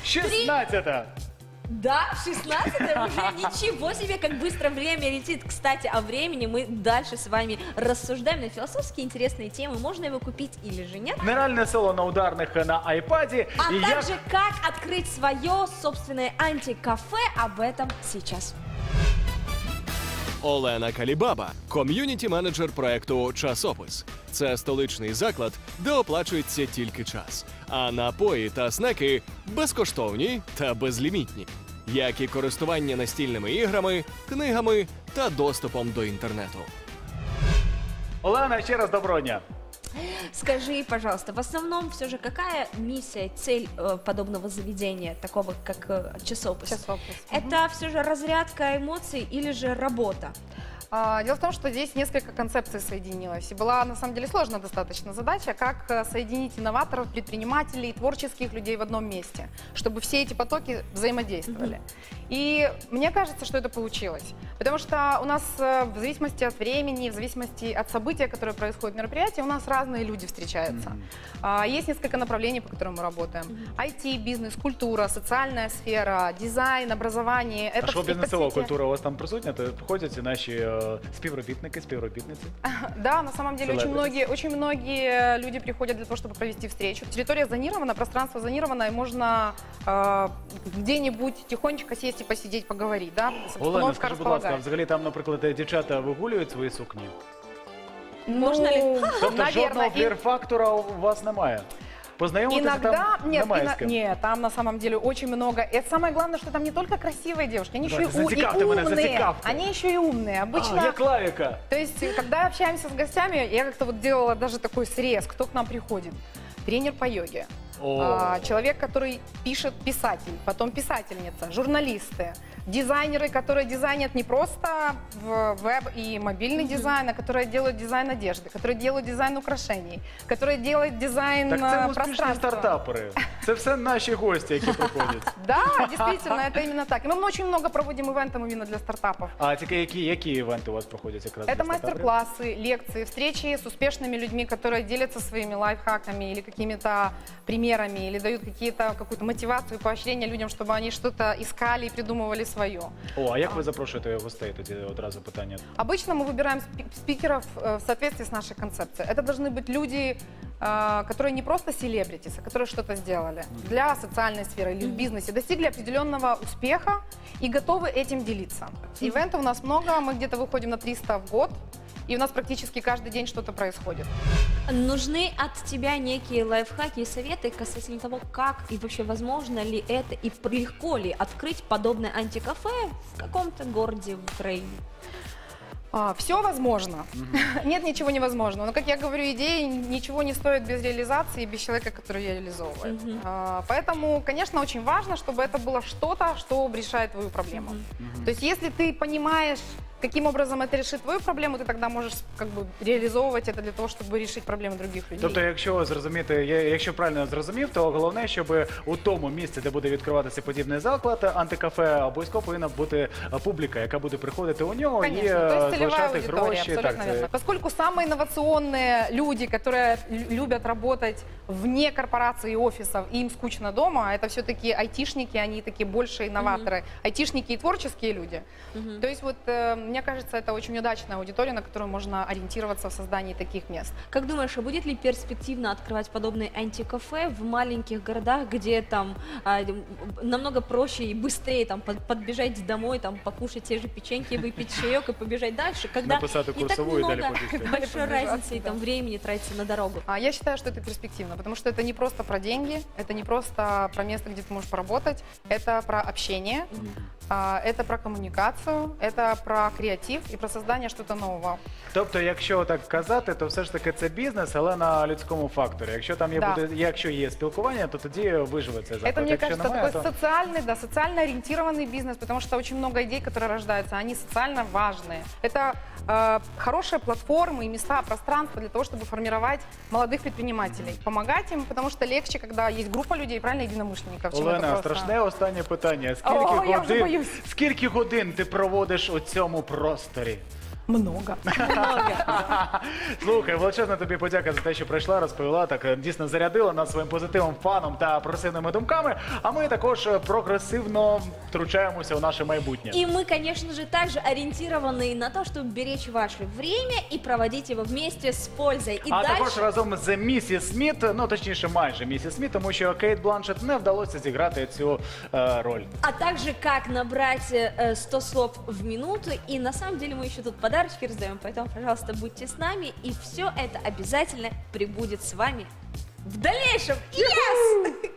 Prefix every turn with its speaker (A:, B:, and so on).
A: 16-та.
B: Да, 16-е уже ничего себе, как быстро время летит. Кстати, о времени мы дальше с вами рассуждаем на философские интересные темы. Можно его купить или же нет?
A: Нереальне соло на ударних на айпаді.
B: А
A: І
B: также как открыть свое собственное антикафе, об этом сейчас.
C: Олена Калібаба – ком'юніті-менеджер проекту «Часопис». Це столичний заклад, де оплачується тільки час. А напої та снеки безкоштовні та безлімітні. Як і користування настільними іграми, книгами та доступом до інтернету.
A: Олена, ще раз доброго дня.
B: Скажи, пожалуйста, в основном все же какая миссия, цель подобного заведения, такого как часопис?
D: Часопис.
B: Это все же разрядка эмоций или же работа?
D: Дело в том, что здесь несколько концепций соединилось. И была, на самом деле, сложная достаточно задача, как соединить инноваторов, предпринимателей, творческих людей в одном месте, чтобы все эти потоки взаимодействовали. И мне кажется, что это получилось. Потому что у нас в зависимости от времени, в зависимости от события, которое происходит в мероприятии, у нас разные люди встречаются. Есть несколько направлений, по которым мы работаем. IT, бизнес, культура, социальная сфера, дизайн, образование.
A: А що
D: все
A: бізнесова
D: все те-
A: культура у вас там присутня? То входять і наші співробітники, співробітниці?
D: Да, на самом деле
A: Celebrities.
D: очень многие люди приходят для того, чтобы провести встречу. Территория зонирована, пространство зонировано, и можно где-нибудь тихонечко сесть и посидеть, поговорить. Да?
A: Олена,
D: Обстановка
A: скажи, будь ласка, а
D: располагает.
A: взагалі там, наприклад, дівчата вигулюють свої сукні?
B: Можно ли?
A: Тобто жодного
D: Наверное,
A: флір-фактора у вас немає? Познайомитися
D: иногда,
A: там
D: нет,
A: немає з ким?
D: нет, там на самом деле очень много. И самое главное, что там не только красивые девушки, они еще и,
A: Давайте, зацікавте мене,
D: умные.
A: зацікавте.
D: Они еще и умные. Обычно,
A: А, як лавіка.
D: то есть, когда общаемся с гостями, я как-то вот делала даже такой срез, кто к нам приходит. Тренер по йоге, человек, который пишет, писатель, потом писательница, журналисты, дизайнеры, которые дизайнят не просто в веб и мобильный дизайн, а которые делают дизайн одежды, которые делают дизайн украшений, которые делают дизайн
A: Так це успішні
D: пространства.
A: стартапери. Це все наші гості, які приходять.
D: Да, действительно, это именно так. И мы очень много проводим ивентов именно для стартапов.
A: А тільки які івенти у вас проходять якраз?
D: Это
A: для стартаперів?
D: мастер-классы, лекции, встречи с успешными людьми, которые делятся своими лайфхаками или какими-то примерами, или дают какую-то мотивацию, поощрение людям, чтобы они что-то искали и придумывали свое.
A: О, а як ви запрошуєте гостей? Тоді одразу питання.
D: Обычно мы выбираем спикеров в соответствии с нашей концепцией. Это должны быть люди, которые не просто селебритис, а которые что-то сделали для социальной сферы или в бизнесе, достигли определенного успеха и готовы этим делиться. Ивентов у нас много, мы где-то выходим на 300 в год, и у нас практически каждый день что-то происходит.
B: Нужны от тебя некие лайфхаки и советы касательно того, как и вообще возможно ли это и легко ли открыть подобное антикафе в каком-то городе в Украине?
D: Все возможно. Нет ничего невозможного. Но, как я говорю, идеи ничего не стоят без реализации и без человека, который ее реализовывает. Поэтому, конечно, очень важно, чтобы это было что-то, что решает твою проблему. То есть, если ты понимаешь, каким образом это решит твою проблему, ты тогда можешь как бы реализовывать это для того, чтобы решить проблемы других людей.
A: Тобто, якщо зрозуміти, якщо правильно зрозумів, то головне, щоб у тому місці, де буде відкриватися подібний заклад, антикафе, обов'язково повинна бути публіка, яка буде приходити у нього
D: Конечно,
A: і
D: то есть целевая
A: залишати
D: аудитория,
A: гроші.
D: абсолютно верно. Поскольку самые инновационные люди, которые любят работать вне корпораций и офисов, и им скучно дома, это все-таки айтишники, они такие больше инноваторы, айтишники и творческие люди. То есть вот, мне кажется, это очень удачная аудитория, на которую можно ориентироваться в создании таких мест.
B: Как думаешь, а будет ли перспективно открывать подобные антикафе в маленьких городах, где там намного проще и быстрее там подбежать домой, там покушать те же печеньки, выпить чаек и побежать дальше, когда
A: Написать
B: не так
A: курсовую и
B: много
A: далеко бежать.
B: большой
D: Далеко
B: разницы и
D: бежать,
B: там
D: да.
B: времени тратится на дорогу?
D: Я считаю, что это перспективно, потому что это не просто про деньги, это не просто про место, где ты можешь поработать, это про общение, это про коммуникацию, это про креатив и про создание что-то нового.
A: Тобто, якщо так казати, то все ж таки це бізнес, але на людському факторі. Якщо там є,
D: Да.
A: якщо є спілкування, то тоді виживе цей заклад.
D: Это, мне
A: Якщо
D: кажется,
A: немає,
D: такой
A: то...
D: социальный, да, социально ориентированный бизнес, потому что очень много идей, которые рождаются, они социально важные. Это хорошие платформы и места, пространство для того, чтобы формировать молодых предпринимателей. Помогать им, потому что легче, когда есть группа людей, правильно, единомышленников. чем это
A: Олена,
D: просто-
A: страшне останнє питання.
D: О, я вже боюсь.
A: Скільки годин ти проводиш у цьому просторі?
D: Много.
B: Много.
A: Слухай, величезна тобі подяка за те, що прийшла, розповіла, так дійсно зарядила нас своїм позитивом, фаном та прогресивними думками. А ми також прогресивно втручаємося у наше майбутнє.
B: И мы, конечно же, также ориентированы на то, чтобы беречь ваше время и проводить его вместе с пользой. И
A: А також
B: дальше...
A: разом з місіс Сміт, ну точніше майже місіс Сміт, тому що Кейт Бланшет не вдалося зіграти цю роль.
B: А также как набрать 100 слов в минуту. И на самом деле мы еще тут подарочки раздаем, поэтому, пожалуйста, будьте с нами. И все это обязательно прибудет с вами в дальнейшем. Yes!